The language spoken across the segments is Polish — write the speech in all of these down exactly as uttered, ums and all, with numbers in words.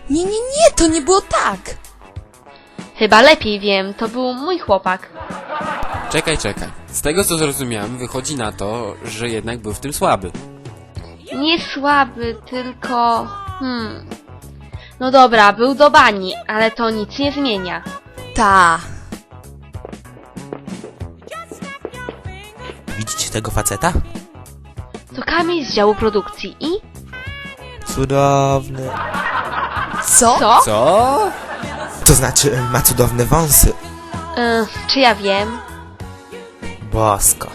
Nie, nie, nie, to nie było tak. Chyba lepiej wiem, to był mój chłopak. Czekaj, czekaj. Z tego co zrozumiałem, wychodzi na to, że jednak był w tym słaby. Nie słaby, tylko... Hmm... No dobra, był do bani, ale to nic nie zmienia. Ta. Widzicie tego faceta? To Kamil z działu produkcji i... Cudowny. Co? Co? Co? To znaczy, ma cudowne wąsy. Yy, czy ja wiem? Bosko.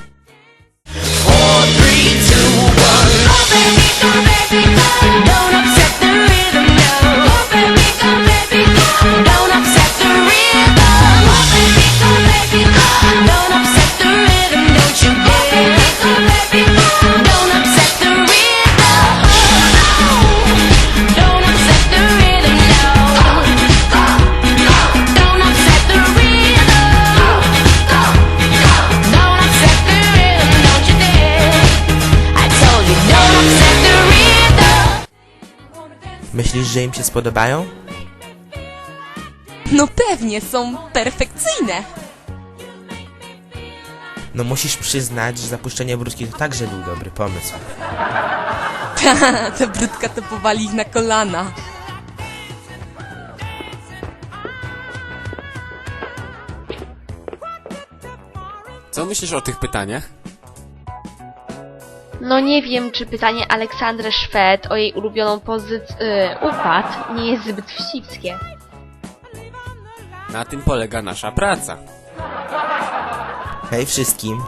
Myślisz, że im się spodobają? No pewnie, są perfekcyjne. No musisz przyznać, że zapuszczenie brudki to także był dobry pomysł. Ta, ta brudka to powali ich na kolana. Co myślisz o tych pytaniach? No nie wiem, czy pytanie Aleksandry Szwed o jej ulubioną pozycję... Yy, układ nie jest zbyt wścibskie. Na tym polega nasza praca. Hej wszystkim.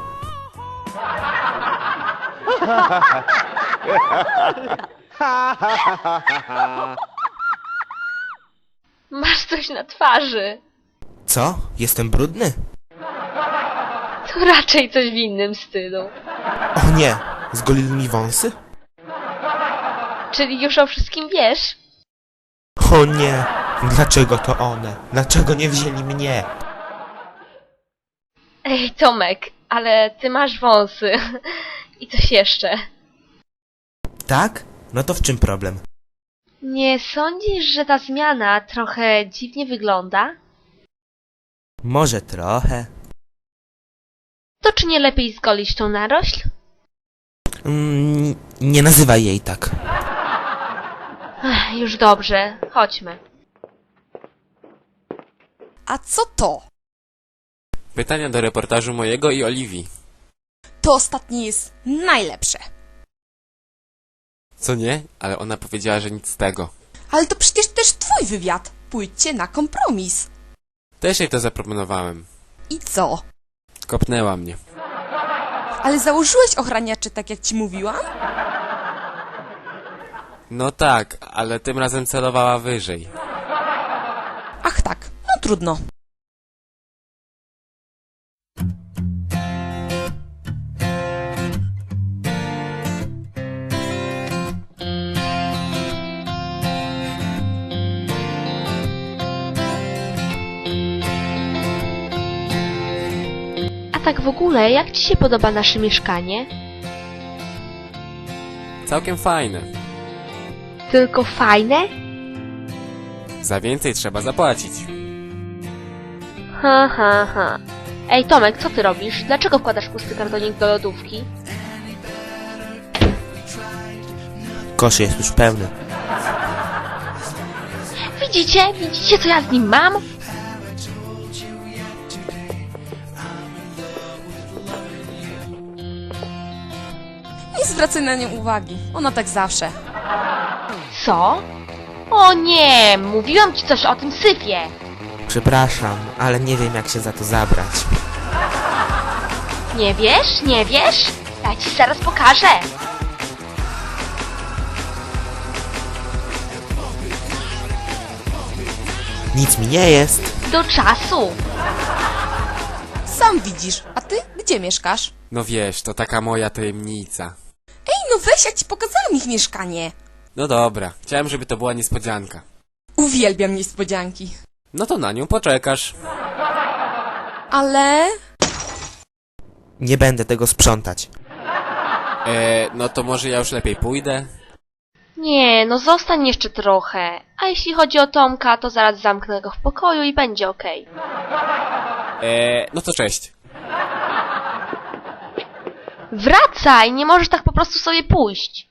Masz coś na twarzy. Co? Jestem brudny? To raczej coś w innym stylu. O nie! Zgolili mi wąsy? Czyli już o wszystkim wiesz? O nie! Dlaczego to one? Dlaczego nie wzięli mnie? Ej, Tomek, ale ty masz wąsy. I coś jeszcze. Tak? No to w czym problem? Nie sądzisz, że ta zmiana trochę dziwnie wygląda? Może trochę. To czy nie lepiej zgolić tą narośl? Mm, nie nazywaj jej tak. Ech, już dobrze, chodźmy. A co to? Pytania do reportażu mojego i Oliwii. To ostatnie jest najlepsze. Co nie? Ale ona powiedziała, że nic z tego. Ale to przecież też twój wywiad. Pójdźcie na kompromis. Też jej to zaproponowałem. I co? Kopnęła mnie. Ale założyłeś ochraniacze, tak jak ci mówiłam? No tak, ale tym razem celowała wyżej. Ach tak, no trudno. A tak w ogóle, jak ci się podoba nasze mieszkanie? Całkiem fajne. Tylko fajne? Za więcej trzeba zapłacić. Ha, ha, ha. Ej, Tomek, co ty robisz? Dlaczego wkładasz pusty kartonik do lodówki? Kosz jest już pełny. Widzicie? Widzicie, co ja z nim mam? Nie zwracaj na nią uwagi. Ona tak zawsze. Co? O nie, mówiłam ci coś o tym syfie. Przepraszam, ale nie wiem jak się za to zabrać. Nie wiesz? Nie wiesz? Ja ci zaraz pokażę. Nic mi nie jest. Do czasu. Sam widzisz. A ty gdzie mieszkasz? No wiesz, to taka moja tajemnica. Ej, no weź, ja ci pokazałam ich mieszkanie. No dobra, chciałem, żeby to była niespodzianka. Uwielbiam niespodzianki. No to na nią poczekasz. Ale... Nie będę tego sprzątać. Eee, no to może ja już lepiej pójdę? Nie, no zostań jeszcze trochę. A jeśli chodzi o Tomka, to zaraz zamknę go w pokoju i będzie okej. Eee, no to cześć. Wracaj! Nie możesz tak po prostu sobie pójść.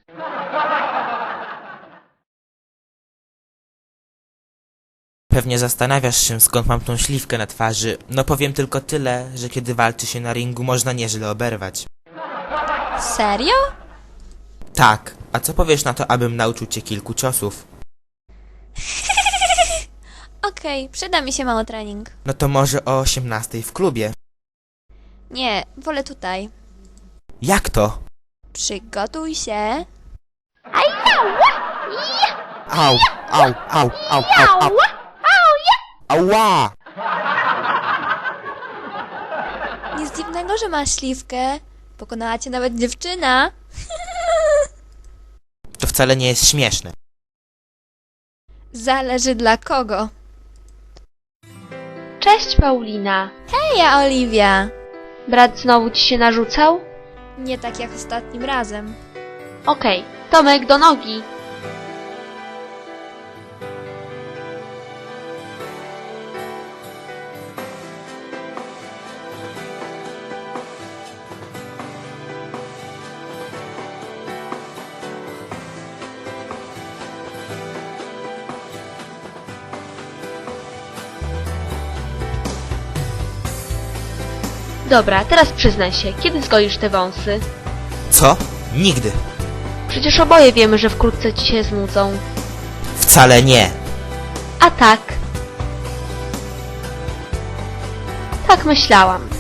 Pewnie zastanawiasz się, skąd mam tą śliwkę na twarzy. No powiem tylko tyle, że kiedy walczy się na ringu, można nieźle oberwać. Serio? Tak, a co powiesz na to, abym nauczył cię kilku ciosów? Okej, przyda mi się mało trening. No to może o osiemnastej w klubie. Nie, wolę tutaj. Jak to? Przygotuj się. Au, au, au, au, au, au. Ała! Nic dziwnego, że masz śliwkę. Pokonała cię nawet dziewczyna. To wcale nie jest śmieszne. Zależy dla kogo. Cześć, Paulina. Heja, Oliwia. Brat znowu ci się narzucał? Nie tak jak ostatnim razem. Okej, Tomek, do nogi. Dobra, teraz przyznaj się, kiedy zgolisz te wąsy? Co? Nigdy. Przecież oboje wiemy, że wkrótce ci się znudzą. Wcale nie. A tak. Tak myślałam.